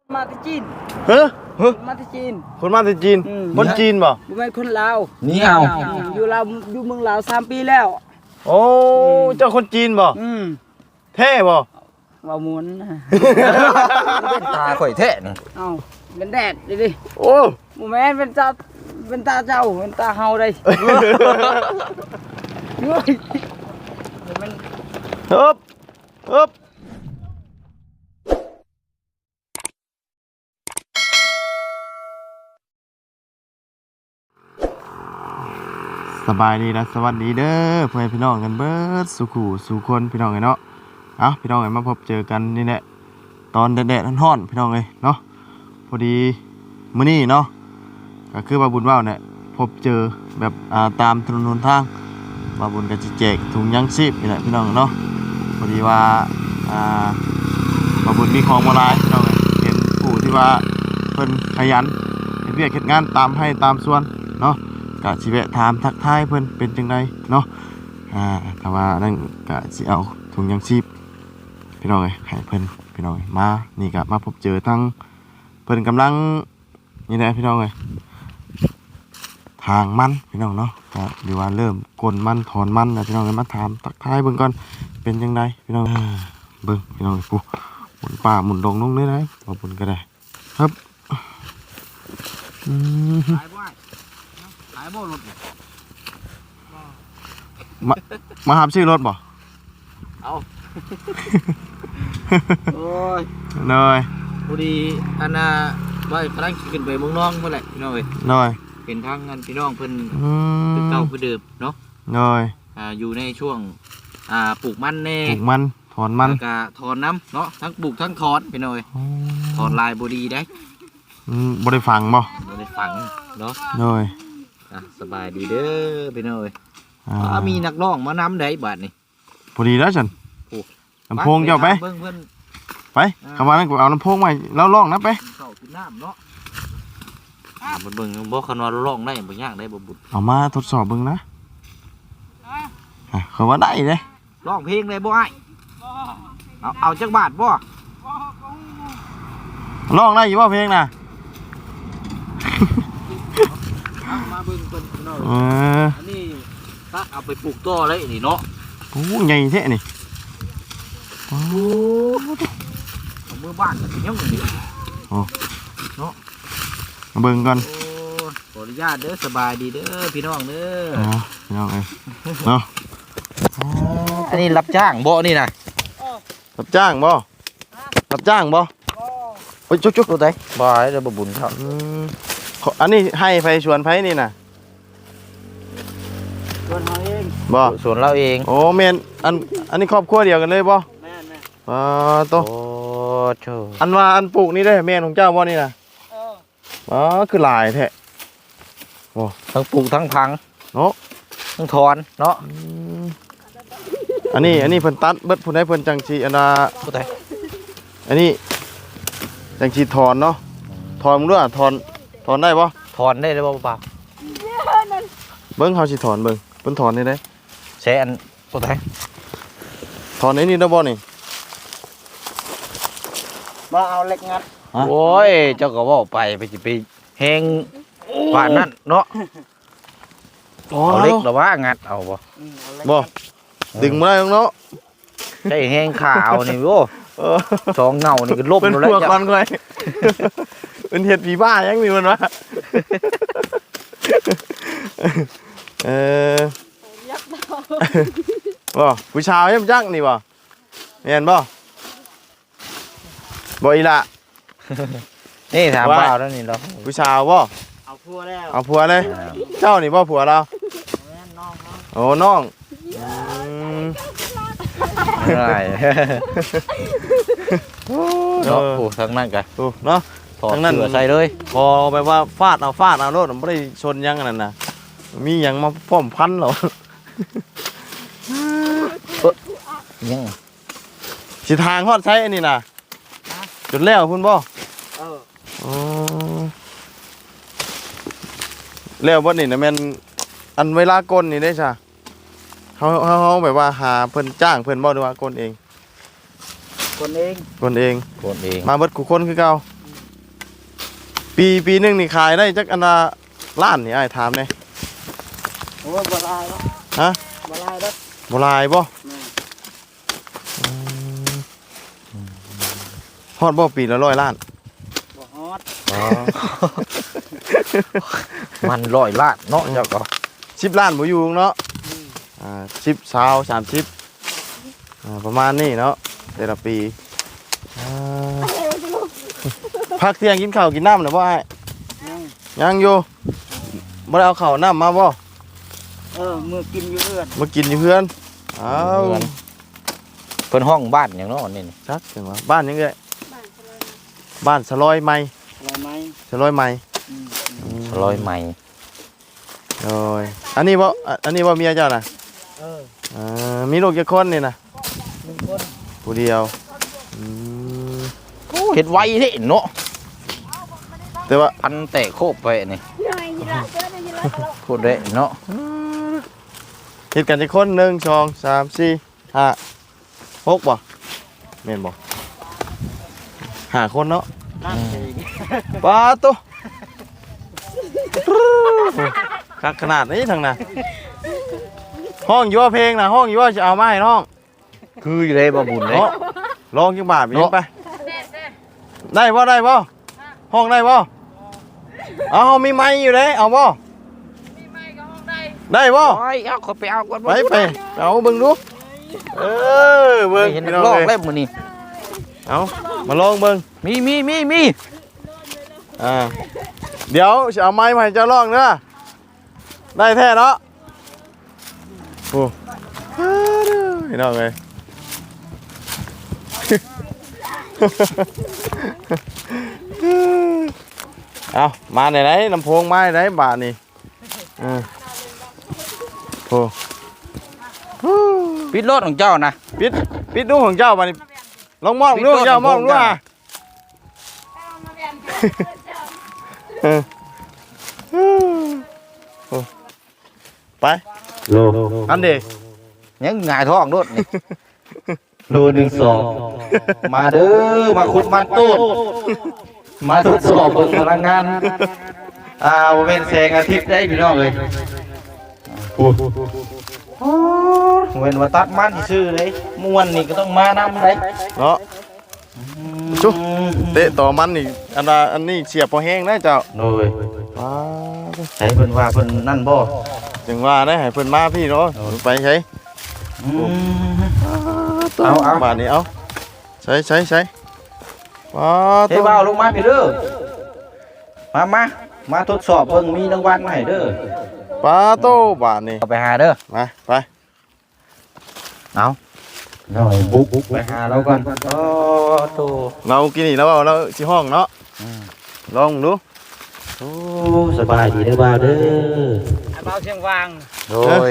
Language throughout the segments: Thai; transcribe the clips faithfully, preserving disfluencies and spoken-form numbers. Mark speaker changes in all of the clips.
Speaker 1: มาที่จีน
Speaker 2: เฮ้ย
Speaker 1: มาที่จีน
Speaker 2: คนมาจากจีน
Speaker 1: อืม
Speaker 2: คนจีนบ่
Speaker 1: บุเป็นคนลาว
Speaker 3: นี่เอา
Speaker 1: อยู่ลาวอยู่เมืองลาวสามปีแล้ว
Speaker 2: โอ้เจ้าคนจีนบ่
Speaker 1: อืม
Speaker 2: เท่บ่
Speaker 1: ว่าหมุน
Speaker 3: เป็นตาข่อยแท้นี่
Speaker 1: เอ้าเป็นแดดดิดิ
Speaker 2: โอ้
Speaker 1: หมูแม่นเป็นตาเป็นตาเจ้าเป็นตาเฮาได้เฮ้ยมัน
Speaker 2: ฮึบฮึบสบายดีนะสวัสดีเด้อเพื่อนพี่น้องกันเบิดสุขูสู่คนพี่น้องไงเนาะเอาพี่น้องไงมาพบเจอกันนี่แหละตอนแดดๆร้อนๆพี่น้องเลยเนาะพอดีมื้อนี้เนาะก็คือบาบุญว่าวเนี่ยพบเจอแบบอ่าตามถนนหนทางบาบุญก็จะแจกถุงยังชีพนี่แหละพี่น้องเนาะพอดีว่าอ่าบาบุญมีของมาหลายพี่น้องเอ้ยเห็นผู้ที่ว่าเพิ่นขยันเฮ็ดเวียกเฮ็ดงานตามให้ตามส่วนเนาะก็สิแวะถามทักทายเพิ่นเป็นจังไดเนาะอ่าถ้าว่านั่นก็สิเอาถุงยังชีพพี่น้องเอ้ยให้เพิ่นพี่น้องเอ้ยมานี่ก็มาพบเจอทั้งเพิ่นกำลังนี่แหละพี่น้องเอ้ยทางมันพี่น้องเนาะก็หรือว่าเริ่มกลมันถอนมันนะพี่น้องเอ้ยมาถามทักทายเบิ่งก่อนเป็นจังไดพี่น้องอ่าเบิ่งพี่น้องเอ้ยปุ๊หมุนป่าหมุนดงลงเลยนะบ่บุญก็ได้ครับอืม
Speaker 3: ขายบ่ขายบ่รถ
Speaker 2: มามาหาชื่อรถบ่
Speaker 3: เอาโอ้ย
Speaker 2: เลย
Speaker 3: พอดีอันน่ะว่าพลังขึ้นไปเมืองน้องเมื่อไหร่พี่น้องเอ้ย
Speaker 2: เลย
Speaker 3: เป็นทางงานพี่น้องเพิ่น
Speaker 2: อืม
Speaker 3: เป็นเก่าคือเดิมเนาะ
Speaker 2: เลย
Speaker 3: อ่าอยู่ในช่วงอ่าปลูกมันแน่
Speaker 2: ปลูกมันถอนมัน
Speaker 3: แล้วก็ถอนน้ำเนาะทั้งปลูกทั้งถอนพี่น้องเอ้ยถอนลายบ่ดีได้
Speaker 2: อืมบ่ได้ฟังบ่
Speaker 3: บ่ได้ฝังเนาะ
Speaker 2: เลย
Speaker 3: อ่ะสบายดีเด้อพี่น้องเอ้ย
Speaker 2: อ่า
Speaker 3: อ่ามีนักร้องมานำได้บาดนี่
Speaker 2: พอดีแล้วฉัน
Speaker 3: โอ้
Speaker 2: ลำโพงเจ้าไป
Speaker 3: เบิ่งเพิ่น
Speaker 2: ไปคำว่านั้นกูเอาลำโพงมาแล้วร้องนะไป
Speaker 3: เข้ากินน้ำเนาะอ่าเบิ่งเบิ่งบ่คันว่าร้องได้บ่ยากได้บ่บุญ
Speaker 2: เอามาทดสอบเบิ่งนะอ่ะเขาว่าได้เลย
Speaker 3: ร้องเพลงได้บ่อ้ายเอาเอาจักบาทบ่
Speaker 2: ร้องได้อยู่ว่าเพลงน่ะ
Speaker 3: เอามาเบิ่งเพิ่นพี่น้อง
Speaker 2: เออ
Speaker 3: อันนี้ถ้าเอาไปปลูกต่อเลยนี่เนาะ
Speaker 2: โอ้ใหญ่แท้นี่โอ้
Speaker 3: เอามือบ้านก็สิยังนี่
Speaker 2: มาเบิ่งก่อน
Speaker 3: โอ้ขออนุญาตเด้อสบายดีเด้อพี่น้องเด้อ
Speaker 2: อ๋อพี่น้องเอ้ยเนาะ
Speaker 3: อันนี้รับจ้างบ่นี่นะ
Speaker 2: รับจ้างบ่รับจ้างบ่โอ้ยจุ๊กๆ
Speaker 3: ตัวใดบ่ได้เด้อบ่บุญครับ
Speaker 2: อืมขออันนี้ให้ไฟชวนไฟนี่น่ะ
Speaker 1: ส่วนเฮาเอง
Speaker 2: บ่
Speaker 3: ส่วนเราเอง
Speaker 2: โอ้แม่นอันอันนี้ครอบครัวเดียวกันเลยบ่
Speaker 1: แม่นแม่น
Speaker 2: อ่าโต
Speaker 3: โอ้โธ่
Speaker 2: อันว่าอันปลูกนี่ได้แม่นของเจ้าบ่นี่น่ะ
Speaker 1: เออ
Speaker 2: อ๋อคือหลายแท้
Speaker 3: ทั้งปลูกทั้งพัง
Speaker 2: เนาะ
Speaker 3: ทั้งถอนเนาะ
Speaker 2: อืมอันนี้อันนี้เพิ่นตัดเบิดผู้ใดเพิ่นจังสิอันน่ะ
Speaker 3: ตัวใด
Speaker 2: อันนี้จังสิถอนเนาะถอนมึงด้วยอะถอนถอนได้บ่
Speaker 3: ถอนได้เลยบ่เปล่า
Speaker 2: เบิ่งเฮาสิถอนเบิ่งเพิ่นถอนได้ได้
Speaker 3: ใช้อันตัวใด
Speaker 2: ถอนไอ้นี่ได้บ่นี่
Speaker 1: บ่เอาเหล็กงัด
Speaker 2: ฮะ
Speaker 3: โอ้ยเจ้าก็เว้าไปไปสิไปแฮงป่านนั้นเนาะ
Speaker 2: อ๋อ
Speaker 3: เอาเล็กหรือว่างัดเอาบ่
Speaker 1: อืมเอาเหล็ก
Speaker 2: บ่
Speaker 1: งัด
Speaker 2: ดึงบ่ได้หรอกเนาะ
Speaker 3: ใช่แฮงขาวนี่โอ้
Speaker 2: เออ
Speaker 3: สองเงานี่ก็ลบ
Speaker 2: เป็น
Speaker 3: อยู่แล้ว
Speaker 2: พวก
Speaker 3: จ้ะ
Speaker 2: มันก่อยเป็นเห็ดผีบ้ายังมีมันวะเออบ่ผู้ชายยังจักนี่บ่เห็นบ่บ่อีละ
Speaker 3: นี่ถาม
Speaker 2: ว่า
Speaker 3: เปล่าแล้วนี่เนาะ
Speaker 2: ผู้ชายบ่
Speaker 1: เอาพัวแล้ว
Speaker 2: เอาผัวเลย เจ้านี่บ่ผัวเรา
Speaker 1: แม่นน้องน้อง
Speaker 2: โอ้น้องอืม
Speaker 3: ได้
Speaker 2: โอ้
Speaker 3: เนาะ
Speaker 2: เนาะ
Speaker 3: โอ้ทั้งนั้นกัน
Speaker 2: โอ้เนาะ
Speaker 3: ถอด
Speaker 2: ทั้งนั้น
Speaker 3: เสื้อใส่เลย
Speaker 2: พอแบบว่าฟาดเอาฟาดเอาโลดมันบ่ได้ชนยังอันนั้นน่ะมีหยังมาป้อมพันเหรอ
Speaker 3: ยัง
Speaker 2: สิทางฮอดใช้อันนี้น่ะจุดแล้วพุ่นบ่
Speaker 1: เออ
Speaker 2: อ๋อแล้วบ่นี่น่ะแม่นอันเวลากลนี่ได้จ้ะเฮาเฮาเฮาแบบว่าหาเพิ่นจ้างเพิ่นบ่หรือว่ากลเอง
Speaker 1: คนเอง
Speaker 2: กลเอง
Speaker 3: คนเอง
Speaker 2: มาเบิดกูคนคือเก่า
Speaker 1: ม
Speaker 2: ปีปีหนึงนี่ขายได้จักอันละล้านนี่อ้ายถามแหน่
Speaker 1: โอ้ยบ่ลายแล้ว
Speaker 2: ฮะ
Speaker 1: บ่ลายแล้ว
Speaker 2: บ่หลายบ่อืมฮอดบ่ปีละร้อยล้าน
Speaker 1: บ่ฮอด
Speaker 2: อ๋อ
Speaker 3: มันร้อยล้านเนาะเจ้าก็
Speaker 2: สิบล้านบ่อยู่เนาะอ่าสิบ ยี่สิบ สามสิบอ่าประมาณนี้เนาะแต่ละปีอ่าพักเที่ยงกินข้าวกินน้ำแล้วบ่อ้าย
Speaker 1: ยัง
Speaker 2: ยังอยู่บ่ได้เอาข้าวน้ำมาบ่
Speaker 1: เออมือกินอยู่เอื้อน
Speaker 2: มากินอยู่เพื่อนอ้าว
Speaker 3: เพิ่นห้องบ้านหยังเนาะนี่
Speaker 2: จักจังว่าบ้านยังไงบ้านสลอยไม้
Speaker 1: อะไรไหม
Speaker 2: สลอยไม้
Speaker 1: อืม
Speaker 3: ร้อยไม้
Speaker 2: โอ้ยอันนี้บ่อ่ะอันนี้บ่เมียเจ้าน่ะ
Speaker 1: เออ
Speaker 2: อ่ามีลูกกี่คนนี่น่ะ
Speaker 1: หนึ่งคน
Speaker 2: ผู้เดียวอืม
Speaker 3: เฮ็ดไวเด้เนาะ
Speaker 2: แต่ว่า
Speaker 3: พันแตะโคบไปนี่พูดได้เนาะ
Speaker 2: เฮ็ดกันจักคนหนึ่งสองสามสี่ห้าหกบ่แม่นบ่ห้าคนเนาะ
Speaker 1: นั่งเอง
Speaker 2: ปาตุคักขนาดนี้ทางน่ะห้องอยู่ว่าเพลงน่ะห้องอยู่ว่าจะเอามาให้น้อง
Speaker 3: คืออยู่ได้บ่บุญเด้
Speaker 2: เนาะลองจังบาทไปยิงไปได้บ่ได้บ่ห้องได้บ่เอาเฮามีไม้อยู่เด้เอาบ่ได้บ่
Speaker 3: โอ้ยเอาเขาไปเอาก่อน
Speaker 2: ไปไปเอาเบิ่งดูเออเบิ่ง
Speaker 3: เห็น
Speaker 2: พี่น้อง
Speaker 3: ลอก
Speaker 2: เอ้ย
Speaker 3: เล่มมื้อนี้
Speaker 2: เอามาลองเบิ่ง
Speaker 3: มีมีมีมี
Speaker 2: อ่าเดี๋ยวจะเอาไม้มาให้เจ้าลองเด้อได้แท้เนาะโอ้พี่น้องเอ้ย เอามาไหนไหนลำโพงมาไหนบาทนี่อืมโอ้
Speaker 3: ปิดรถของเจ้านะ
Speaker 2: ปิดปิดดูของเจ้าบาทนี่ลองมอง
Speaker 3: ปิด
Speaker 2: ดู
Speaker 3: โทษ
Speaker 2: เจ้ามอง
Speaker 3: ของ
Speaker 2: ดู
Speaker 3: เจ้า
Speaker 2: อ่ะเออโอ้ไปอันเดี
Speaker 3: ยังหงายท้องรถนี่ โลหนึ่งสองมาเด้อมาขุดมันตูดมาทดสอบเบิ่งพลังงานอ่าบ่เป็นแสงอาทิตย์ได้พี่น้องเอ้ยโอ้เว้นว่าตัดมันซื่อเลยม่วนนี่ก็ต้องมานำได้
Speaker 2: เนาะชุเตะต่อมันนี่อันว่าอันนี้เสียบพอแห้งนะเจ้า
Speaker 3: โอ้ย
Speaker 2: ว้า
Speaker 3: ใช้เพิ่นว่าเพิ่นนั่นบ่
Speaker 2: จึงว่าได้ให้เพิ่นมาพี่เนาะไปใช้
Speaker 3: อืม เอาเอา
Speaker 2: บาทนี้เอาใช้ใช้ใช้ว้า
Speaker 3: เทบ่าวลงมาพี่เด้อมามามาทดสอบเบิ่งมีรางวัลมาให้เด้อ
Speaker 2: ปลาโตบาทนี่
Speaker 3: เอาไปหาเด้อ
Speaker 2: มาไป
Speaker 3: เอาหน่อยบุกไปหาเราก่อนโอ้โต
Speaker 2: เรากินนี่แล้วเอาเราสิห้องเนาะลองดู
Speaker 3: โอ้สบายดีเด้อบ่าวเด้อ
Speaker 1: ไอ้เบาเชียงวาง
Speaker 3: โดย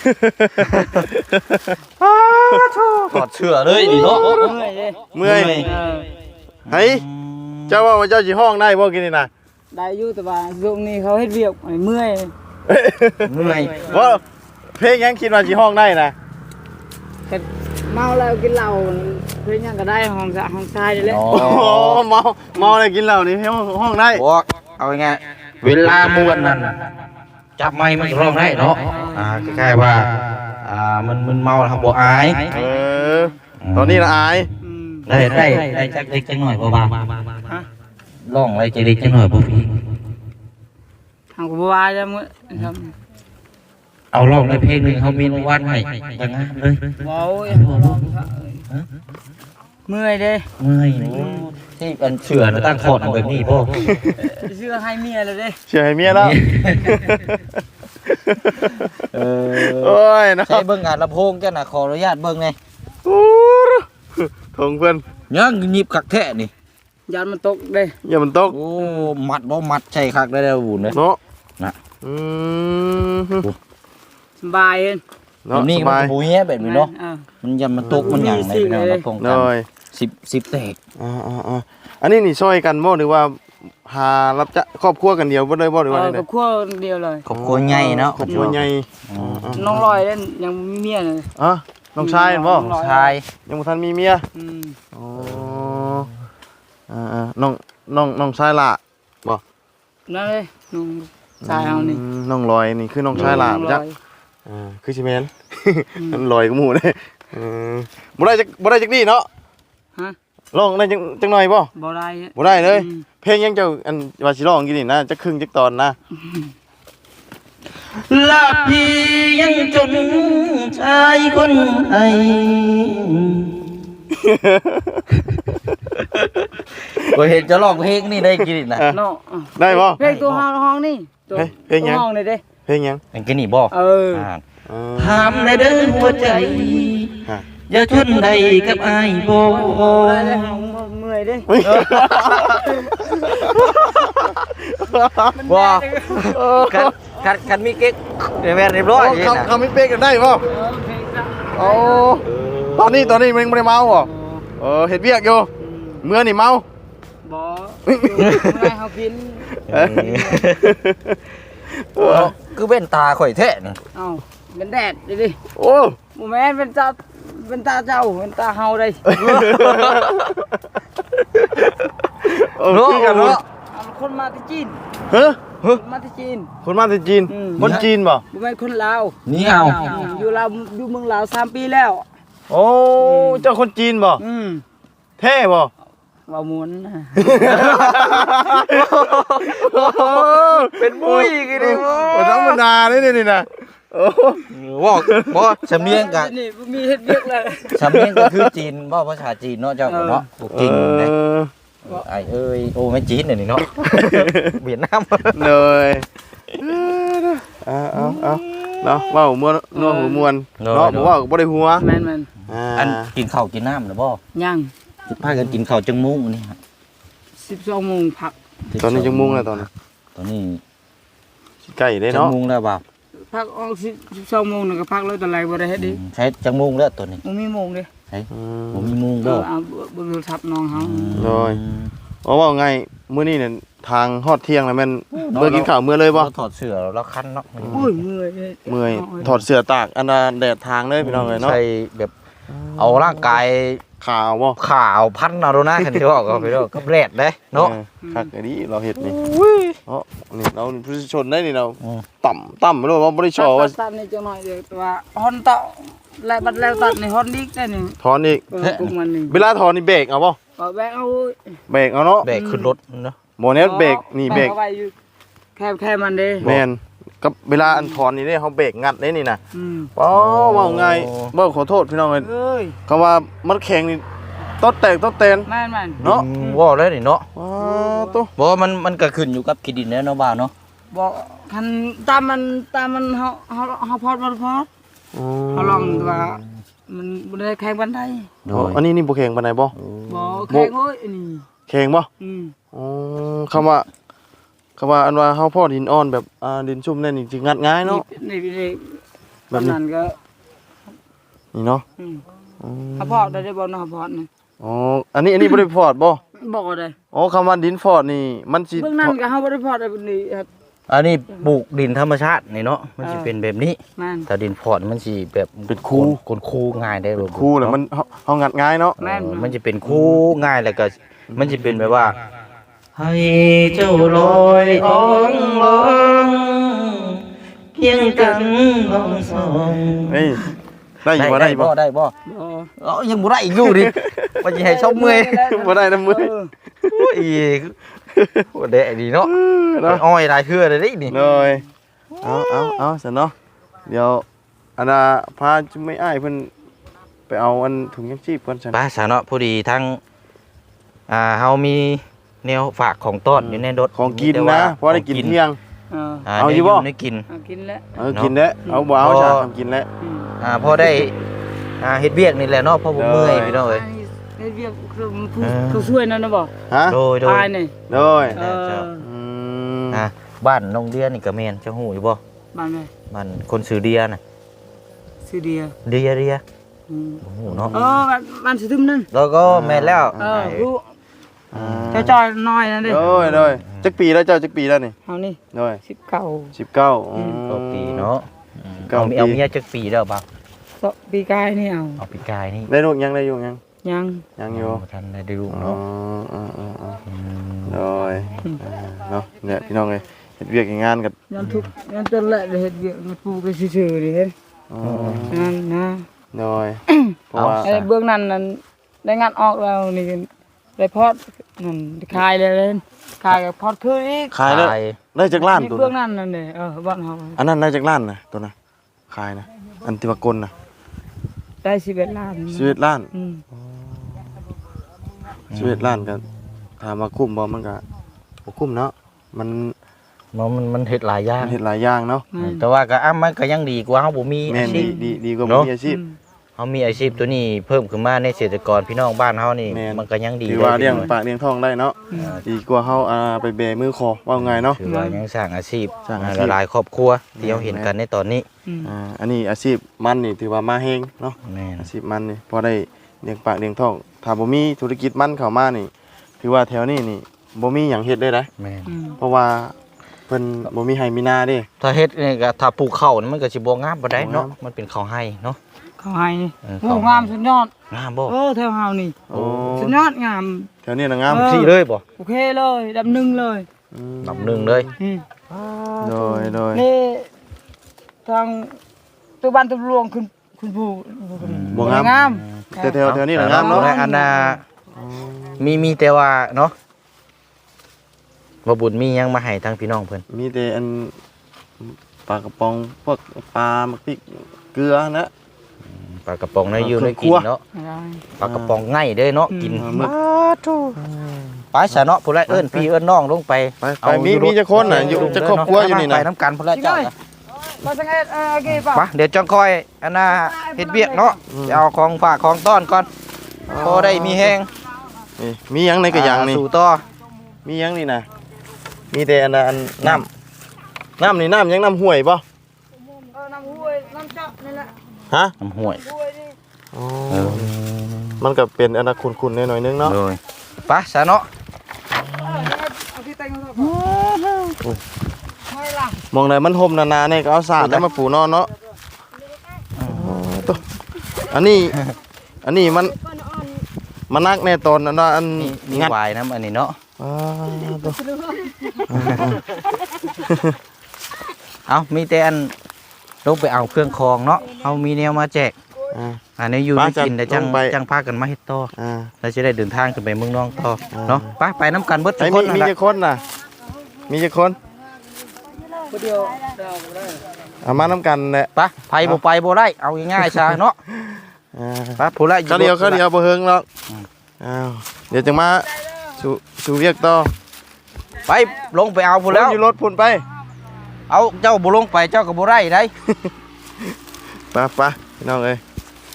Speaker 3: ถอดเสื้อเลยดิเนาะ
Speaker 1: เมื่อยเลย
Speaker 2: เมื่อย
Speaker 3: เมื่อย
Speaker 1: เออ
Speaker 2: เฮ้ยเจ้าว่าว่าเจ้าสิห้องได้บ่กินนี่นะ
Speaker 1: ได้อยู่แต่ว่าช่วงนี้เขาเฮ็ดเวียกไอ้เมื่อย
Speaker 3: เมื่อย
Speaker 2: ว่าเพลงยังคิดว่าสิห้องได้นะ
Speaker 1: แต่เมาแล้วกินเหล้าเพิ่นยังก็ได้ห้องสะห้องทรายนี่แหละ
Speaker 3: อ๋อ
Speaker 2: โอ้โหเมาเมาเลยกินเหล้านี่ห้องห้องได้
Speaker 3: บอกเอาไงเวลามวนนั่นจับไม้มันร้องได้เนาะอ่าคล้ายๆว่าอ่ามันมันเมาทำบ่อาย
Speaker 2: เออตอนนี้ละอาย
Speaker 1: อืม
Speaker 3: ได้ได้ได้จักเล็กจักหน่อยบ่บาง
Speaker 1: ฮะ
Speaker 3: ร้องอะไรจักเล็กจักหน่อยบ่พี่
Speaker 1: ทางกูบ่ว่าจะมื้อครับ
Speaker 3: เอาร้องในเพลงหนึงเขามีรางวัลให้จังงามเลย
Speaker 1: เว้าไอ้บ่ว่าเมื่อยเด้
Speaker 3: เมื่อยที่อันเชื่อนะตั้งคอร์ดเอาแบบนี้พ่อ
Speaker 1: เสื้อให้เมียแล้วเด้
Speaker 2: เชื่อให้เมียแล้ว
Speaker 3: เอ
Speaker 2: โอ้ยเนาะ
Speaker 3: ใช้เบิ่งงานลำโพงจ้ะน่ะขออนุญาตเบิ่งไง
Speaker 2: โอ้ทงเพิ่น
Speaker 3: ยังหยิบคักแท้นี่
Speaker 1: ยานมันตกเด้
Speaker 2: อย่ามันตก
Speaker 3: โอ้มัดบ่มัดใช่คักได้แล้วบุญเด้อ
Speaker 2: เนาะ
Speaker 3: น่ะ
Speaker 2: อืม
Speaker 1: สบายเอง
Speaker 2: เนาะ
Speaker 3: นี่
Speaker 2: ส
Speaker 3: มัน
Speaker 2: บาย
Speaker 3: บ่เหี้ยแบบนี้เนาะ
Speaker 1: อ่
Speaker 3: มันยันมันตกมันหยังในพี่น้องลำโพง
Speaker 2: เล
Speaker 3: กัน
Speaker 2: ย
Speaker 3: สิบสิบแตก
Speaker 2: อ่าอ่าอ่าอันนี้นี่ช่วยกันบ่หรือว่าหารับจะครอบครัวกันเดียวบ่ได้บ่หรือว่า
Speaker 1: เอ
Speaker 2: ได
Speaker 1: อกับครัวเดียวเลย
Speaker 3: ครอบครัวใหญ่เนาะ
Speaker 2: ครอบครัวใหญ่
Speaker 3: อืม
Speaker 1: น้องลอยเล่นยังบ่มีเมียเลย
Speaker 2: อ่ะน้องชายเห็นบ่
Speaker 1: น้อง
Speaker 3: ชาย
Speaker 2: ยังบ่ทันมีเมีย
Speaker 1: อืม
Speaker 2: อ๋ออ่าอ่าน้องน้องน้องชายล่ะบ่
Speaker 1: นั่นเลยน้องชายเอานี่
Speaker 2: อืมน้องลอยนี่คือน้องชายหลานจักอ่าคือสิแม่นมันลอยกับหมู่เด้เออบ่ได้จักบ่ได้จักดีเนาะ
Speaker 1: ฮะ
Speaker 2: ร้องได้จังจังหน่อยบ่
Speaker 1: บ่ได้
Speaker 2: บ่ได้เลย
Speaker 1: อืม
Speaker 2: เพลงยังเจ้าอันว่าสิร้องกินนี่นะจักครึ่งจักตอนนะ
Speaker 3: ลาพี่ยังจนชายคนไทยก็เห็นจะร้องเพลงนี่ได้กินนะ
Speaker 2: อ่ะ
Speaker 1: เนาะ
Speaker 2: ได้บ่
Speaker 1: เพลงตัวห้องห้องนี่ตัว
Speaker 2: เฮ้ยเพลงยัง
Speaker 1: ตัวห้องนี่เด้
Speaker 2: เพลงยัง
Speaker 3: เป็นกินนี่บ่
Speaker 1: เออ
Speaker 2: เออ
Speaker 3: ถามในเด้อหัวใจ
Speaker 2: ฮะ
Speaker 3: อย่าทนใดกับอ้ายบ่
Speaker 1: ได้ได้ห้องเมื่อยเด้
Speaker 3: บ่กันกันกันมีเก๊กเดี๋ยวแม่เรียบร้อย
Speaker 2: เขาเขาไม่เป๊กกันได้บ่
Speaker 1: เออเพลงซะ
Speaker 2: โอ้ตอนนี้ตอนนี้มันยังบ่ได้เมาบ่เออเฮ็ดเวียกอยู่เมื่อนี่เมา
Speaker 1: บ่อยู่เมื่อยเฮากิน
Speaker 2: เออ
Speaker 3: โอ้คือเบ้นตาข่อยแท้นี่
Speaker 1: เอ้าเป็นแดดดิดิ
Speaker 2: โอ้
Speaker 1: บ่แม่นเป็นตาเป็นตาเจ้าเป็นตาเฮาได้
Speaker 2: เออคือกันเนาะ
Speaker 1: เอาคนมาที่จีน
Speaker 2: เฮ้ย
Speaker 1: คนมาที่จีน
Speaker 2: คนมาจากจีน
Speaker 1: อืม
Speaker 2: คนจีนบ่
Speaker 1: บ่แม่นคนลาว
Speaker 3: นี่เอา
Speaker 1: อยู่ลาวอยู่เมืองลาวสามปีแล้ว
Speaker 2: โอ้เจ้าคนจีนบ่
Speaker 1: อืม
Speaker 2: เท่บ่
Speaker 1: ว่าม้วนนะ
Speaker 3: เป็นมุ้ยกี่ดิ
Speaker 2: โอ้ธรรมดาเลยนี่นี่นะโอ้
Speaker 3: ว่าบ่สำเนียงกะ
Speaker 1: นี่มีเฮ็ดเวียกเลย
Speaker 3: สำเนียงก็คือจีนบ่ภาษาจีนเนาะเจ้าเนาะพวกจริงนะ
Speaker 2: เออ
Speaker 3: ไอ้เอ้ยโอ้ไม่จีนเนี่ยนี่เนาะ เวียดนาม
Speaker 2: เลยเอาเอาเอาเนาะเว้าม่วนนัวหัวมวนเนาะบ่เว้าก็บ่ได้หัว
Speaker 1: แม่นแม่น
Speaker 2: อ่า
Speaker 3: อันกินข้าวกินน้ำหรือบ่
Speaker 1: ยัง
Speaker 3: สิพากันกินข้าวจังมุ้งนี่ฮะ
Speaker 1: สิบสองโมงพัก
Speaker 2: ตอนนี้จังมุงแล้วตอนนี้
Speaker 3: ตอนนี้
Speaker 2: ใกล้ได้
Speaker 3: จัง
Speaker 2: เนาะ
Speaker 3: มุ้งแล้วบ่าว
Speaker 1: พักออกสิบสองโมงนึงก็พักแล้วแต่ไรบ่ได้เฮ็ดดิ
Speaker 3: ใช้จังมุ้งแล้วตัวนี้
Speaker 1: บ่มีโมงเด้
Speaker 2: อืม
Speaker 3: ผมมีมุ้ง
Speaker 1: เอ
Speaker 3: บ่
Speaker 1: อเอาเบิ่งโทรศัพท์น้องเฮา
Speaker 2: โดย เพราะว่าไงมื้อนี้เนี่ยทางฮอดเที่ยงแล้วแม่นเมื่อกินข้าวมื้อเลยบ่
Speaker 3: เราถอดเสื้อแล้วคันเนาะ
Speaker 1: โอ้ยเมื่อยเลย
Speaker 2: เมื่อยถอดเสื้อตากอันน่ะแดดทางเลยพี่น้องเอ้ยเนาะ
Speaker 3: ใช่แบบเอาร่างกาย
Speaker 2: ขาวบ่
Speaker 3: ขาวพันเอาโดนะคันที่ว่าก็ไปเด้อกับแรดเด้เนาะ
Speaker 2: ออคักอันนี้เราเฮ็ดนี่เนาะนี่เราผู้ชนได้นี่เรา
Speaker 3: อืม
Speaker 2: ต่ำต่ำบ่รู้ว่าบ่ได้ชอว่า
Speaker 1: ตัดนี่จังหน่อยเดียวแต่ว่าฮอนเตาแล้วบัดแล้วตัดนี่ฮอนดิกได้นี่
Speaker 2: ถอนอีก
Speaker 1: เออพวกมันนี่
Speaker 2: เวลาถอนนี่เบรกเอาบ่
Speaker 1: ก็แบกเอา
Speaker 2: เบรกเอาเนาะ
Speaker 3: แบกขึ้นรถเนาะ
Speaker 2: บ่แน่เบรกนี่เบรก
Speaker 1: อาไว้อยู่แค่แค่มันเด้
Speaker 2: แม่นกับเวลาอันถอนนี่เด้เฮาเบรกงัดได้นี่น่ะ
Speaker 1: อืม
Speaker 2: อ๋อเว้าง่ายบ่ขอโทษพี่น้องเอ้ย
Speaker 1: เอ้ย
Speaker 2: คำว่ามันแข็งนี่ตดแตกตดแตน
Speaker 1: แม่นแม่น
Speaker 2: เนาะ
Speaker 3: อืมว่าแล้วนี่เนาะ
Speaker 2: ว้าวตุ๊
Speaker 3: บอกว่ามันมันก็ขึ้นอยู่กับขี้ดินแล้วเนาะบ่าวเนาะ
Speaker 1: บอกคันตามมันตามมันเฮาเฮาเฮาพอดบ่พอดเฮาลองแต่ว่ามันบ่ได้แข่งบันได
Speaker 3: โด
Speaker 2: อ๋อย อันนี้นี่บ่แข็งปานใดบ่
Speaker 1: บ่แข่งโอ้ยอันนี้
Speaker 2: แข็งบ่
Speaker 1: อืม
Speaker 2: อ๋อคำว่าคำว่าอันว่าเฮาพอดินอ่อนแบบอ่าดินชุ่มนั่นนี่สิงัดง่ายเนาะ
Speaker 1: นี่นี่นี่
Speaker 2: แบบนี้
Speaker 1: นั้นก็
Speaker 2: นี่เนาะ
Speaker 1: อืม
Speaker 2: อืม
Speaker 1: เฮาพอดได้บ่เนาะเฮาพอดนี่
Speaker 2: อ๋ออันนี้อันนี้บ่ได้ฟอร์ดบ่
Speaker 1: บ่ได้
Speaker 2: อ๋อคำว่าดินฟอร์ดนี่มันสิ
Speaker 1: เบื้องนั้นก็เฮาบ่ได้พอดได้บัดนี้ครับ
Speaker 3: อันนี้ปลูกดินธรรมชาตินี่เนาะมันสิ
Speaker 1: เออ
Speaker 3: เป็นแบบนี้
Speaker 1: แม่น
Speaker 3: แต่ดินพอร์ตมันสิแบบ
Speaker 2: เป็นคู
Speaker 3: คนคูง่ายได้เลย
Speaker 2: คู่แล้วมันเฮาเฮางัดง่ายเนาะ
Speaker 1: แม่น
Speaker 3: มันจะเป็นคูง่ายแล้วก็มันจะเป็นแบบว่า ให้เจ้าลอยอ่องลองเพียงกันลองสอง
Speaker 2: เฮ้ยได้อยู่บ่ได้บ่
Speaker 3: ได้บ่
Speaker 1: บ่
Speaker 3: เอ้ายังบ่ได้อีกอยู่ดิว่าสิให้ชมเมื่อย
Speaker 2: บ่ได้นำมือ
Speaker 1: เออ
Speaker 3: โอ้ยโอ้เดะดีเนาะ
Speaker 2: เนาะ
Speaker 3: อ้อยได้คือได้ดินี่
Speaker 2: เลยเอาเอาเอาซะเนาะเดี๋ยวอันน่ะพาจุไม่อ้ายเพิ่นไปเอาอันถุงยังชีพก่อนซั่น
Speaker 3: ป้าสาเนาะพอดีทั้งอ่าเฮามีแนวฝากของต้อนอยู่ในรถ
Speaker 2: ของกิน
Speaker 3: แต่ว่า
Speaker 2: นะเพราะได้กินเที่ยง
Speaker 1: เออ
Speaker 3: อ่า
Speaker 2: เอา
Speaker 3: ได้
Speaker 2: อยู่บ่
Speaker 3: ได้กิน
Speaker 1: เอากินแล้ว
Speaker 2: เออกินแล้วเอาบ่เอา
Speaker 3: พอ
Speaker 2: จ้ะทำกินแล้ว
Speaker 1: อืม
Speaker 3: อ่าพอได้อ่าเฮ็ดเวียกนี่แหละเนาะเพราะผมเมื่อย
Speaker 2: ได้
Speaker 3: พี่น้องเอ้ย
Speaker 1: ไอ้เรียกคือผู้
Speaker 3: เออ
Speaker 1: ผู้ช่วยนั่นนะบ่
Speaker 2: ฮะ
Speaker 3: โดยโดย
Speaker 1: ตายนี่
Speaker 2: โดย
Speaker 1: เออ
Speaker 2: อืม
Speaker 3: อ่าบ้านน้องเดียนี่ก็แม่นเจ้าฮู้อยู่บ่
Speaker 1: บ้านไหน
Speaker 3: บ้านคนชื่อเดียน่ะ
Speaker 1: ซื้อเดีย
Speaker 3: เดียเดีย
Speaker 1: อืม
Speaker 3: โอ้โหเนาะ
Speaker 1: เออบ้านบ้านสิทึมนั่น
Speaker 3: แล้วก็แม่นแล้ว
Speaker 1: เออรู้
Speaker 2: อ่า
Speaker 1: เจ้าจอยน้อยนั่นเด้
Speaker 2: โดยโดยจักปีแล้วเจ้าจักปีแล้วนี่
Speaker 1: เฮานี่
Speaker 2: โดย
Speaker 1: สิบเก้า
Speaker 2: สิบเก้าอืม
Speaker 3: ก็ปีเนาะ
Speaker 2: เก้า
Speaker 3: เอา
Speaker 2: ปี
Speaker 3: เอาเมียจักปีแล้วบ่
Speaker 1: สปีกายนี่เอา
Speaker 3: เอาปีกายนี่
Speaker 2: ได้ลูกยังได้ลูกยัง
Speaker 1: ยัง
Speaker 2: ยังอยู่
Speaker 3: โท่านได้ลูก
Speaker 2: อ๋อ
Speaker 3: เนาะ
Speaker 2: อ๋ออ๋ออ๋อ
Speaker 3: อืม
Speaker 2: โดยอ่าเนาะเนี่ยพี่น้องเอ้ยเฮ็ดเวียกเฮ็ดงานกัน
Speaker 1: ยันทุกยันจนแหละเฮ็ดเวียกมาปลูกไปซื่อๆนี่เห็น
Speaker 2: อ๋อ
Speaker 1: นั่นนะ
Speaker 2: โดยเพราะว่า
Speaker 1: ไอ้เบื้องนั้นนั้นได้งานออกแล้วนี่ได้พอดนั่นขายเลยเล่นขายกับพอดคืออีก
Speaker 2: ขายแล้วได้จากล้าน
Speaker 1: นี่
Speaker 2: ตัว
Speaker 1: เบื้อง
Speaker 2: นะ
Speaker 1: นั้นนั่นนี่เออบ้านเฮา
Speaker 2: อันนั้นได้จากล้านนะตัวนะขายนะอันที่ว่ากลนะ
Speaker 1: ได้สิบเอ็ดล้าน
Speaker 2: ชีวิตล้าน
Speaker 1: อืม
Speaker 2: ชีวิตล้านกันถามว่าคุ้มบ่มันก็บ่คุ้มเนาะมัน
Speaker 3: มันมันมันเฮ็ดหลายอย่าง
Speaker 2: มันเฮ็ดหลายอย่างเนาะ
Speaker 1: นั่น
Speaker 3: แต่ว่าก็อ้ามันก็ยังดีกว่าเฮาบ่มี
Speaker 2: แม่
Speaker 3: อาน ชี
Speaker 2: ดี
Speaker 3: พ
Speaker 2: ดีดีกว่า
Speaker 3: เนาะ
Speaker 2: มีอาชีพ
Speaker 1: อืม
Speaker 3: เฮามีอาชีพตัวนี้เพิ่มขึ้นมาในเกษตรกรพี่น้องบ้านเฮานี่
Speaker 2: แม่น
Speaker 3: มันก็ยังดี
Speaker 2: ถือว่า
Speaker 3: ได้
Speaker 2: เลี้ยง
Speaker 3: พี่น้อ
Speaker 2: ปากเลี้ยงท้องได้เนาะดีกว่าเฮาอ่าไปแบมือคอว่าไงเนาะ
Speaker 3: ถือว่ายังสร้างอาชีพ
Speaker 2: สร้างอาชีพ
Speaker 3: หลายๆครอบครัวที่เราเห็นกันในตอนนี้
Speaker 1: อืม
Speaker 2: อ่าอันนี้อาชีพมันนี่ถือว่ามาแฮงเนาะ
Speaker 3: แม่น
Speaker 2: อาชีพมันนี่พอได้เลี้ยงปากเลี้ยงท้องถ้าบ่มีธุรกิจมันเข้ามานี่ถือว่าแถวนี้นี่บ่มีหยังเฮ็ดได้นะ
Speaker 3: แม่น
Speaker 1: อืม
Speaker 2: เพราะว่าเพิ่นบ่มีไห้มีนาเด้
Speaker 3: ถ้าเฮ็ดนี่ก็ถ้าปลูกข้าวนี่มันก็สิบ่งามบ่ได้เนาะ
Speaker 2: บ่งาม
Speaker 3: มันเป็นข้าวไห้เนาะ
Speaker 1: เขาให้นี่
Speaker 3: เออ
Speaker 1: โอ้งามสุดยอด
Speaker 3: งามบ่
Speaker 1: เออแถวเฮานี่
Speaker 2: โอ้
Speaker 1: สุดยอดงาม
Speaker 2: แถวนี้น่ะงาม
Speaker 1: เออ
Speaker 3: สิเลยบ่
Speaker 1: โอเคเลยดับหนึ่งเลย
Speaker 2: ม
Speaker 3: ลำหนึงเลย
Speaker 1: อืม
Speaker 2: โดยโดย
Speaker 1: นี่ทางตัวบ้านตัวหลวงคุณคุณผู้
Speaker 2: บ่งาม
Speaker 1: งาม
Speaker 2: แต่แถวแถวนี้น่ะงามเนาะ
Speaker 3: แต่อันน่ะมีมีแต่ว่าเนาะบ่บุญมีหยังมาให้ทางพี่น้องเพิ่น
Speaker 2: มีแต่อันปลากระป๋องพวกปลาหมักพริกเกลือนะ
Speaker 3: ปลากระป๋องในอยู่
Speaker 2: เครื่
Speaker 3: ใน
Speaker 2: อง
Speaker 3: กิน
Speaker 2: ครัว
Speaker 3: เนาะ
Speaker 1: ได้
Speaker 3: ปลากระป๋องง่ายเด้เนาะกิน
Speaker 2: อ่ามึก
Speaker 3: ไปซะเนาะผู้ใดเอิ้นพี่เอิ้นน้องลงไป
Speaker 2: ไปไปมีมีจักคนน่ะอยู่จักครอบครัวอยู่นี่
Speaker 3: ไป
Speaker 2: น่ะ
Speaker 3: น้ำกันพุ่นละเจ้า
Speaker 1: มาสังเกตเออโอเคป่ะ
Speaker 3: มาเดี๋ยวจังคอยอันน่ะเฮ็ดเวียกเนาะจะเอาของฝากของต้อนก่อนพอได้มีแฮง
Speaker 2: นี่มีหยังในกระยังนี่
Speaker 3: สู่ต่อ
Speaker 2: มีหยังนี่น่ะมีแต่อันน่ะอันน้ำน้ำนี่น้ำหยังน้ำห้วยบ่
Speaker 1: เออน้ำห้วยน้ำเจาะนี่แหละ
Speaker 2: ฮะ
Speaker 3: น้ำห้วย
Speaker 1: ห้วยนี่
Speaker 2: อ๋อ
Speaker 3: เออ
Speaker 2: มันก็เป็นอันน่ะขุ่นๆหน่อยๆนึงเนาะ
Speaker 3: โดยไปซะเนาะ
Speaker 1: เอาที่แต่งมาก่อนไม่ล่ะ
Speaker 2: มองได้มันห่มนานๆนี่ก็เอาสาดแล้วมาปูนอนเนาะตัวอันนี้ อันนี้มันมันนักแน่ตอนอันนั้นอัน
Speaker 3: มีมี
Speaker 2: งัด
Speaker 3: วายน้ำอันนี้เนาะ
Speaker 2: อ่าตัว
Speaker 3: เอามีแต่อันลงไปเอาเครื่องคองเนาะเอามีแนวมาแจก
Speaker 2: อ่า
Speaker 3: อันนี้อยู่
Speaker 2: ไป
Speaker 3: ได้กิน
Speaker 2: จั
Speaker 3: แต่
Speaker 2: ด
Speaker 3: จัง
Speaker 2: ลงไป
Speaker 3: จังพากันมาเฮ็ดต่อ
Speaker 2: อ่า
Speaker 3: แล้วจะได้เดินทางขึ้นไปเมืองนองต่อ
Speaker 2: อ่า
Speaker 3: เนาะไปไปน้ำกันเบิดทุ
Speaker 2: ไอ้
Speaker 3: กค
Speaker 2: มี
Speaker 3: นนั่น
Speaker 2: มี
Speaker 3: ล่ะ
Speaker 2: จะคนน่ะ มีจะคน
Speaker 1: คนเดียวเดียวได้
Speaker 2: เอามาน้ำกันแหละ
Speaker 3: ไปไปบ่ไปบ่ได้เอาง่ายๆซะเนาะ
Speaker 2: อ่า
Speaker 3: ไปผู้ละ
Speaker 2: เขาเดียวเขาเดียวบ่เฮิงหรอก
Speaker 3: อืม
Speaker 2: อ้าวเดี๋ยวจะมาสู่สู่เวียกต่อ
Speaker 3: ไปลงไปเอาผู้แล้ว
Speaker 2: อยู่รถพุ่นไป
Speaker 3: เอาเจ้าบ่ลงไปเจ้าก็บ่ได้ได้
Speaker 2: ไปไปพี่น้องเอ้ย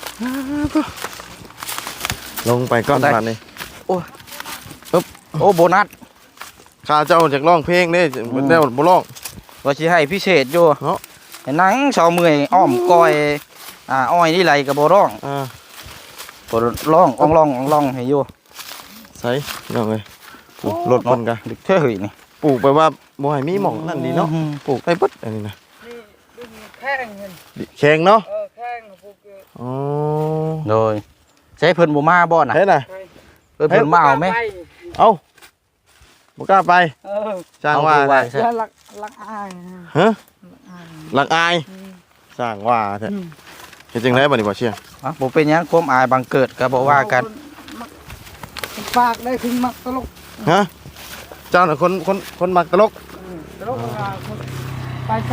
Speaker 2: ลงไปก่อนผ่านนี่
Speaker 3: โอ้โบนัส
Speaker 2: ข้าเจ้าจากร้องเพลงเด้ได้บ่ร้อง
Speaker 3: ว่าสิให้พิเศษอยู่
Speaker 2: เนาะ
Speaker 3: ให้หนังเสาเมื่อยอ้อมก้อยอ่าอ้อยนี่ไหลก็บ่ร้อง
Speaker 2: อ่า
Speaker 3: บ่ร้องอ่องร้องอ่องร้องให้อยู่
Speaker 2: ใส่พี่น้องเอ้ยปลูกรถมันกะ
Speaker 3: ดึกเท่าหืยนี่
Speaker 2: ปลูกไปว่าบ่ให้มีหม่องนั่นดีเนาะ
Speaker 3: อืม
Speaker 2: ปลูกได้เบิดอันนี้นะ
Speaker 1: นี่ดึงแข้งเงิน
Speaker 2: แข็งเนาะ
Speaker 1: เออแข้งพวกเออ
Speaker 2: อ๋อ
Speaker 3: โดยใช้เพิ่นบ่มาบ่น่ะ
Speaker 2: เฮ็ดน่ะ
Speaker 3: เพิ่นเพิ่นมาเอาไหม
Speaker 2: เอ้าบ่กล้าไป
Speaker 1: เออ
Speaker 2: สร้างว่า
Speaker 3: เอ
Speaker 2: แท้
Speaker 3: ใช่
Speaker 1: แล้วลักลักอายนะ
Speaker 2: ฮะ
Speaker 1: อาย
Speaker 2: หลักอาย
Speaker 1: อืม
Speaker 2: สร้างว่าแท้
Speaker 1: อืม
Speaker 2: เฮ็ดจังได๋บัดนี้บ่เชียง
Speaker 3: อ่ะบ่เป็นหยังความอายบังเกิดก็บ่ว่ากัน
Speaker 1: คนปากได้ถึงมักตลก
Speaker 2: ฮะเจ้าน่ะคนคนคนมักตลก
Speaker 1: อืมตลกอ่ะคนไปใส่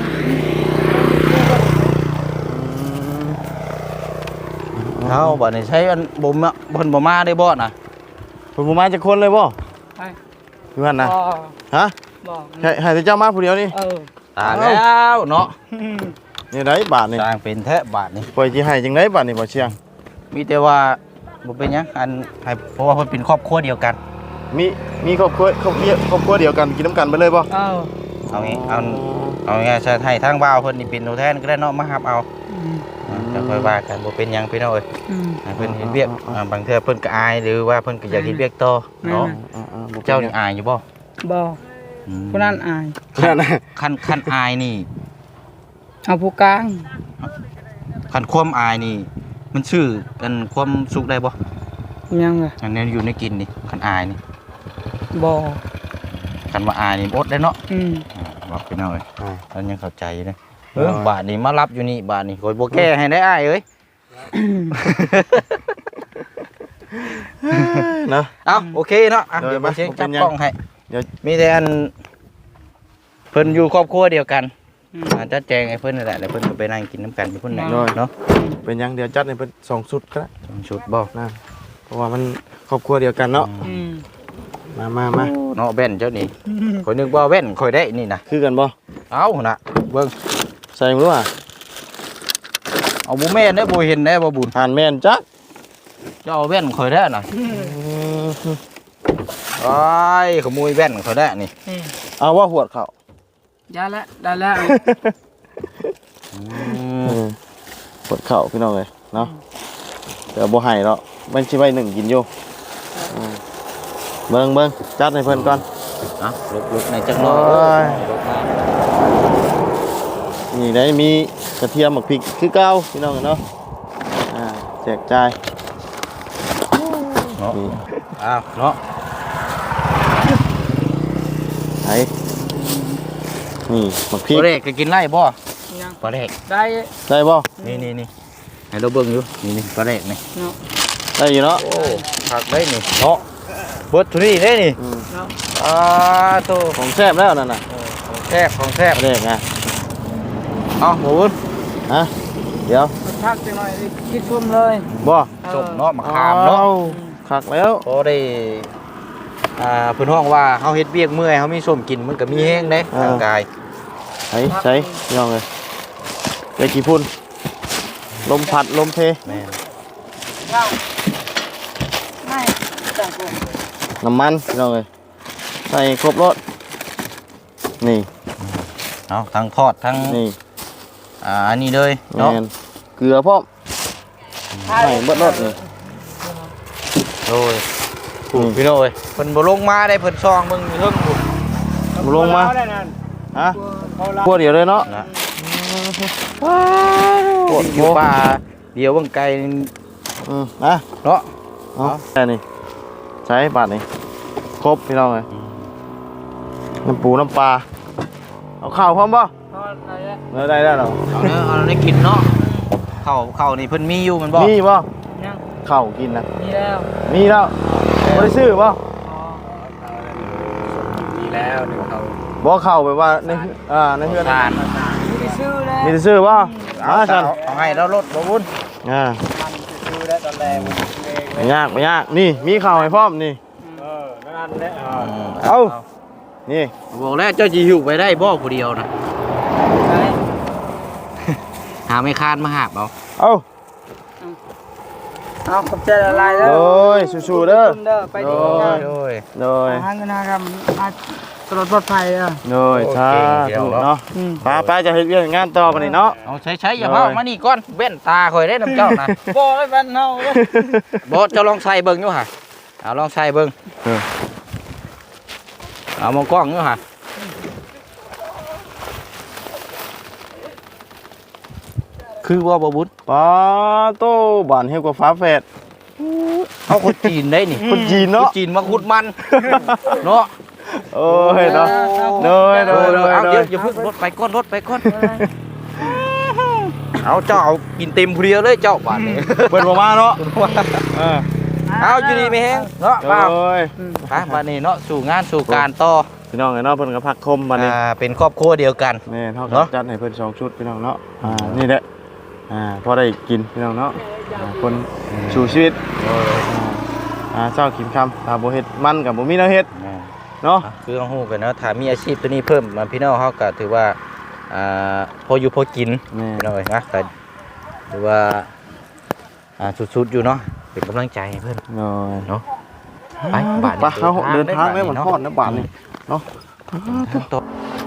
Speaker 3: เอาบัดนี้ใช้อันบ่มาเพิ่นบ่มาได้บ่น่ะ
Speaker 2: เพิ่นบ่มาจักคนเลยบ่
Speaker 1: ไป
Speaker 2: อยู่หั่นน่ะ
Speaker 1: บ่
Speaker 2: ฮะ
Speaker 1: บ่
Speaker 2: ให้ให้แต่เจ้ามาผู้เดียวนี่
Speaker 1: เออ
Speaker 3: ตายแล้วเนาะ
Speaker 1: อืม
Speaker 2: นี่ได้บาทนี่
Speaker 3: สร้างเป็นแท้บาทนี่
Speaker 2: ปล่อยสิให้จังไดบาทนี่บ่เชียง
Speaker 3: มีแต่ว่าบ่เป็นหยังอันให้เพราะว่าเพิ่นเป็นครอบครัวเดียวกัน
Speaker 2: มีมีครอบครัวครอบครัวครอบครัวเดียวกันกินน้ำกันไปเลยบ่
Speaker 1: เออ
Speaker 3: เอางี้เอาเอาง่ายๆจะให้ทางบ่าวเพิ่นนี่เป็นตัวแทนก็ได้เนาะมารับเอา
Speaker 1: อืม
Speaker 3: อ่าจะค่อยว่ากันบ่เป็นหยังพี่น้องเอ้ย
Speaker 1: อืม
Speaker 3: ให้เพิ่นเฮ็ดเวียกอ่าบางเทื่อเพิ่นก็อายหรือว่าเพิ่นก็อยากเฮ็ดเวียกต่อเนาะ
Speaker 2: อ่าๆบ่
Speaker 3: เจ้านี่อายอยู่บ่
Speaker 1: บ่
Speaker 3: อืม
Speaker 1: คนนั้นอาย
Speaker 2: นั่นน่ะ
Speaker 3: คันคันอายนี่
Speaker 1: เอาผู้กลาง
Speaker 3: คันความอายนี่ มันชื่อกันความสุขได้บ่
Speaker 1: ยังไง
Speaker 3: อันนี้อยู่ในกินนี่คันอายนี่
Speaker 1: บ่
Speaker 3: คันว่าอายนี่อดได้เนาะ
Speaker 1: อืม
Speaker 3: อ่าบอกพี่น้องเอ้ย
Speaker 2: อ่า
Speaker 3: ท่านยังเข้าใจอยู่เด้อเออบาทนี้มารับอยู่นี่บาทนี้ข่อยบ่แก้ให้ได้อ้ายเอ้ย
Speaker 2: เนาะ
Speaker 3: เอ้าโอเคเนาะอ่ะ
Speaker 2: เดี๋ยว
Speaker 3: เดี๋ยวมาเช็ค
Speaker 2: ผมเป็
Speaker 3: จับ
Speaker 2: นยัง
Speaker 3: กล้องให้
Speaker 2: เดี๋ยว
Speaker 3: มีแต่อันเพิ่นอยู่ครอบครัวเดียวกัน
Speaker 1: อืม
Speaker 3: อาจจะแจงให้เพิ่นนั่นแหละแล้วเพิ่นก็ไปนั่งกินน้ำกันอยู่พุ่นน่ะ
Speaker 2: โดย
Speaker 3: เนาะ
Speaker 2: เป็นหยังเดี๋ยวจัดให้เพิ่นสองชุดก็ได้
Speaker 3: สองชุดบ่
Speaker 2: นะเพราะว่ามันครอบครัวเดียวกันเนาะ
Speaker 1: อืม
Speaker 2: มามามา
Speaker 3: เนาะแว่นเจ้านี่ข่อยนึกว่าแว่นข่อยได้นี่นะ
Speaker 2: คือกันบ่
Speaker 3: เอ้าน่ะเบิ่ง
Speaker 2: ใส่บ่รู้อ่ะ
Speaker 3: เอาบ่แม่นได้อบ่เห็นได้อบ่บุญ
Speaker 2: ผ่านแม่นจัก
Speaker 3: เจ้าเอาแว่นข่อยได้น่ะ
Speaker 2: อืม
Speaker 3: อ้ายขโมยแว่นข่อยได้นี่
Speaker 1: อืม
Speaker 2: เอาว่าหวดเขา
Speaker 1: ได้แล้วได้แล้ว
Speaker 3: อื
Speaker 2: เอ
Speaker 3: ม
Speaker 2: อหวดเขาพี่น้องเอ้ยเนาะเดี๋ยวบ่ให้เนาะมันสิไว้หนึ่งกินอยู่อืมเบิ่งเบิ่งจัดให้เพิ่นก่อน
Speaker 3: อ่ะลุกๆในจักหน่อ
Speaker 2: โอ้ย
Speaker 3: ยลุกมา
Speaker 2: นี่ได้มีกระเทียมหมักพริกคือเก่าพี่น้องเนาะอ่าแจกจ่าย
Speaker 3: เนาะ
Speaker 2: นี่
Speaker 3: อ้าวเนาะ
Speaker 2: ไอ้นี่หมักพริก
Speaker 3: ปลาเด็กก็กินไล่บ่
Speaker 1: ยัง
Speaker 3: ปลาเด็ก
Speaker 1: ได้
Speaker 2: ได้บ่
Speaker 3: นี่นี่นี่ให้เราเบิ่งอยู่นี่นี่ปลาเด็กนี่
Speaker 1: เนาะ
Speaker 2: ได้อยู่เนาะ
Speaker 3: โอ้ผักได้นี่เนาะเบิดทุเรียนได้นี่
Speaker 2: อืม
Speaker 1: เนาะ
Speaker 3: อ่าโต
Speaker 2: ของแซ่บแล้วนั่นน่ะ
Speaker 3: ของแซ่บของแซ่บ
Speaker 2: เด็กไง
Speaker 3: เอาหมูบุญ
Speaker 2: ฮะเดี๋ยว
Speaker 1: พักจังหน่อยดิคิดพุ่มเลย
Speaker 2: บ่
Speaker 3: จบเนาะมะขามเนาะ
Speaker 2: อ้คักแล้ว
Speaker 3: พอได้อ่าเพิ่นฮ้องว่าเฮาเฮ็ดเวียกเมื่อยเฮามีส้มกินมันก็มีแห้งเด้ร่างกาย
Speaker 2: ใช้ใช้พี่น้องเลยได้กี่พุ่นลมพัดลมเพ
Speaker 3: แม่น
Speaker 1: เจ้าไม่จังกู
Speaker 2: น้ำมันพี่น้องเลยใส่ครบรถนี่
Speaker 3: เอาทั้งทอดทั้ง
Speaker 2: นี่
Speaker 3: อ่าอันนี้เลย
Speaker 2: แม
Speaker 3: เนาะ
Speaker 2: นเกลือพร้อมใส่เบิดรถนี่
Speaker 3: โอ้ยถูกพี่น้องเอ้ยเพิ่นบ่ลงมาได้เพิ่นซองเบิ่งอยู่เทิงพุ่น
Speaker 2: มาลงมา
Speaker 1: ได้นั่น
Speaker 2: ฮะ
Speaker 1: เขาละ
Speaker 2: พวกเดียวเลยเนาะ
Speaker 3: นะ
Speaker 2: ปวด
Speaker 3: อ
Speaker 2: หั
Speaker 3: ยู่
Speaker 2: ว
Speaker 3: ป่าเดียวเบิ่งไกลนี่
Speaker 2: อืมนะ
Speaker 3: เนาะ
Speaker 2: เอาแค่นี้ใช้บาทนี่ครบพี่น้องเลยน้ำปูน้ำปลาเอาข้าวพร้อมป่ะ
Speaker 1: เขาอะไรเนี่ย
Speaker 2: เนื้อได้ได้หรอ
Speaker 3: เอาเนื้อเอาได้กินเนาะข้าวข้าวนี่เพิ่นมีอยู่แมันบ่
Speaker 2: มีป่ะ
Speaker 1: ยัง
Speaker 2: ข้าวกินนะ
Speaker 1: มีแล้ว
Speaker 2: มีแล้วไม่ได้ซื้อป่ะ
Speaker 1: อ๋อ
Speaker 3: มีแล้วเดี๋ยวเขา
Speaker 2: บ่เข้าไปว่าในอ่าในเพื่อน
Speaker 3: ทาน
Speaker 1: มีได้ซื้อแล้ว
Speaker 2: มีแต่ซื้อป่ะ
Speaker 3: เอา
Speaker 2: มาฉัน
Speaker 3: เอาให้แล้วรถบ่บุญ
Speaker 2: อ่า
Speaker 1: ซื้อแล้วตอนแรก
Speaker 2: ไม่ยากไม่ยากนี่มีข้าวให้พร้อมนี่
Speaker 1: เออนั่นแหละ
Speaker 2: เอา นี่
Speaker 3: บอกแล้วเจ้าสิหิวไปได้บ่ผู้เดียวนะ
Speaker 1: ใช่
Speaker 3: หาไม่คานมาหาบเอา
Speaker 2: เอา
Speaker 1: เอาขอบใจละลายแล้ว
Speaker 2: โดยสู้ๆเด้อ
Speaker 1: เด้อไปดีนะ
Speaker 3: โอ้ย
Speaker 2: โดย
Speaker 1: ทางกันนะครับอาตลอดปลอดภัยอ่ะ
Speaker 2: โดย
Speaker 3: โอเค
Speaker 2: สา
Speaker 3: เดี๋ยว
Speaker 2: ธุ
Speaker 3: เนาะ
Speaker 2: เนาะ
Speaker 1: อืม
Speaker 2: ป้าป้าจะเฮ็ดเรื่องงานต่อไปนี่เนาะ
Speaker 3: เอาใช้ใช้อย่าเผามานี่ก่อนแว่นตาข่อยได้น้ำเจ้านะ
Speaker 1: บ่ได้บ้านเฮาเว้ย
Speaker 3: บ่เจะลองใส่เบิ่งอยู่ห่ะเอาลองใส่เบิ่ง
Speaker 2: เออ
Speaker 3: เอามองกล้องอยู่ห่ะคือว่าบ่บุญ
Speaker 2: ป้าโตบ้านเฮากว่าฟ้าแฝด
Speaker 3: เอาคนจีนได้นี่
Speaker 2: คนจีนเนาะ
Speaker 3: คจีนมาขุดมัน เนาะ
Speaker 2: โอ้ยเนาะโดยโดยโดย
Speaker 3: เอา
Speaker 2: โด
Speaker 3: เดี๋ยวย อย่าเพิ่งรถไปก้อนรถไปก้อนเอาเจ้าเอากินเต็มเพลียเลยเจ้าบาดนี้
Speaker 2: เปิดบ่มาเนาะเออ
Speaker 3: เอาอยู่ดีไม่แห้งเนาะ
Speaker 2: โด
Speaker 3: เปล่าย ไปบาดนี้เนาะสู่งานสู่การต่อ
Speaker 2: พี่น้องไอ้เนาะเพิ่นก็พักคมบัดนี้
Speaker 3: อ่าเป็นครอบครัวเดียวกัน
Speaker 2: แม่เฮาก็
Speaker 3: เนาะ
Speaker 2: จัดให้เพิ่นสองชุดพี่น้องเนาะอ่านี่แหละอ่าพอได้กินพี่น้องเนาะอ่าคนสู่ชีวิตอ่าเจ้ากินคำถ้าบ่เฮ็ดมันก็บ่มีแนวเฮ็ดเนาะ
Speaker 3: คือต้องฮู้กันเนาะถ้ามีอาชีพตัวนี้เพิ่มมาพี่น้องเขาก็ถือว่าอ่าพออยู่พอกิน
Speaker 2: แม่
Speaker 3: พี่น้องเอ้ยนะก็ถือว่าอ่าสุดๆอยู่เนาะเป็นกำลังใจให้เพิ่น
Speaker 2: โอ้ย
Speaker 3: เนาะไปบาท
Speaker 2: ไปเฮาเดินทางได้มันฮอดนะบาทนี่เนาะ
Speaker 3: ทั้งโต๊ะ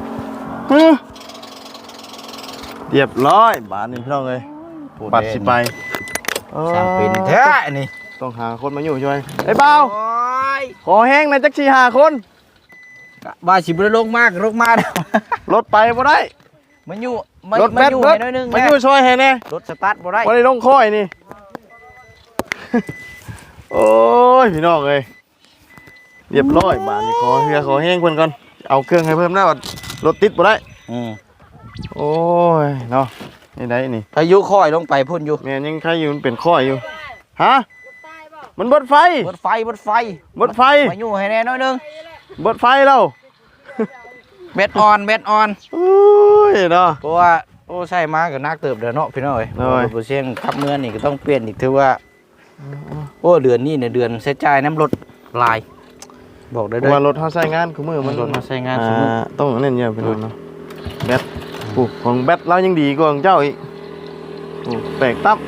Speaker 2: เรียบร้อยบาทนี่พี่น้องเอ้ยบัตรสิไป
Speaker 3: สร้างเป็นแท้นี่
Speaker 2: ต้องหาคนมาอยู่ช่วยไอ้เบา
Speaker 3: โอ้ย
Speaker 2: ขอแห้งหนะจักสี่ห้าคน
Speaker 3: ว่าสิบ่ได้ลงมากลงมาแล้ว
Speaker 2: รถไปบ่ได้
Speaker 3: มันอยู่มัน
Speaker 2: รถ
Speaker 3: มัน
Speaker 2: แบต
Speaker 3: อยู่
Speaker 2: เบิด
Speaker 3: ให้หน้อยนึง
Speaker 2: มา
Speaker 3: แม่
Speaker 2: อยู่ช่วยให้แน่
Speaker 3: รถสตาร์ทบ่ได้
Speaker 2: บ่ได้ลงค่อยนี่ โอ้ยพี่น้องเอ้ยเรียบร้อยบาทนี่ขอเฮือขอแห้งเพิ่นก่อนเอาเครื่องให้เพิ่มแล้วรถติดบ่ได้
Speaker 3: อืม
Speaker 2: โอ้ยเนาะนี่ได้นี่
Speaker 3: พายุค่อยลงไปพุ่นอยู่
Speaker 2: แม่นยังใครอยู่มันเป็นข้อยอยู่ฮะมันเบดไฟ
Speaker 3: บดไฟบดไฟ
Speaker 2: เบดไฟ
Speaker 3: มาอยู่ให้แน่น้อยหนึง
Speaker 2: เบดไฟแล้ว
Speaker 3: เบ็ดออนเบ็ดออน
Speaker 2: โอ้ยเนาะ
Speaker 3: เพราะว่าโอ้ใช่มากับนักเติบเด้อเนาะพี่น้อย
Speaker 2: โอ้ย
Speaker 3: รถเชียงขับเมืองนี่ก็ต้องเปลี่ยนอีกถือว่าโอ้เดือนนี้เนี่ยเดือนเสียจ่ายน้ำรถลายบอกได้
Speaker 2: เพ
Speaker 3: เด้
Speaker 2: ราะ
Speaker 3: อ
Speaker 2: ว่ารถเฮาใช้งานคือมือมัน
Speaker 3: รถมาใช้งาน
Speaker 2: อ่
Speaker 3: สมมุติ
Speaker 2: ต้องเน้นเยอะพี่น้องเนาะแบตปุ๊บของแบตเรายังดีกว่าของเจ้าอีกโอ้แปลกตับ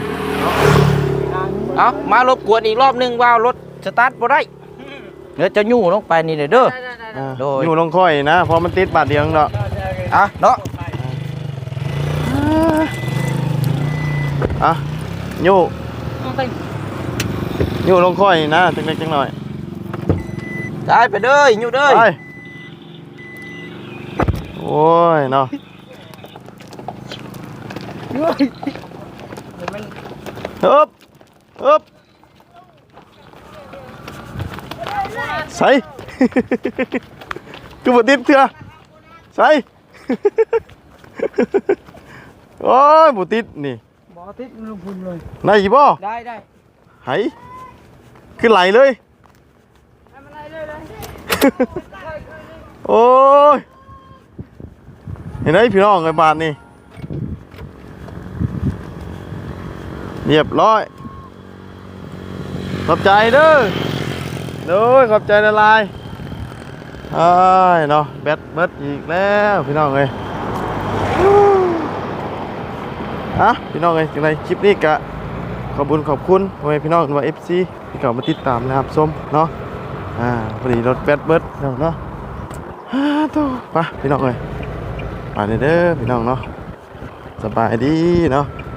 Speaker 3: เอามารบกวนอีกรอบหนึงว่ารถสตาร์ทบ่ได้เดี๋ยวจะยู่ลงไปนี่เด้อ
Speaker 2: อ่า
Speaker 3: โดย
Speaker 2: อยู่ลงค่อยนะเพราะมันติดบาทเดียวเนาะ
Speaker 3: อ่ะเนาะ
Speaker 2: อ่ะอยู่
Speaker 1: เอาไป
Speaker 2: อยู่ลงค่อยนะจังเล็กจังหน่อย
Speaker 3: ได้ไปเด้อยู่เด้อ
Speaker 2: ไปโอ้ยเนาะ
Speaker 1: เฮ้ยเดี๋ยวมัน
Speaker 2: ฮึบฮึบใส่ คือบ่ติดเถื่อใส่ โอ้ยบ่ติดนี่
Speaker 1: บ่ติดลงพุ่นเลย
Speaker 2: ได้อีบ่
Speaker 1: ได้ได้
Speaker 2: ไหขึ้นไหลเลย
Speaker 1: ทำอะไรเลยเลย
Speaker 2: โอ้ยเห็นไหมพี่น้องไอ้บาทนี่เรียบร้อยขอบใจเด้อเด้อขอบใจละลายไอ้ายเนาะแบตเบิดอีกแล้วพี่น้องเอ้ยฮะพี่น้องเอ้ยจังไรคลิปนี้กะขอบคุณขอบคุณพ่อแม่พี่น้องว่า เอฟ ซี ที่เข้ามาติดตามนะครับส้มเนาะอ่าพอดีรถแบตเบิดเนาะเนาะฮ่าตัวไปพี่น้องเอ้ยไปเด้อพี่น้องเนาะสบายดีเนาะ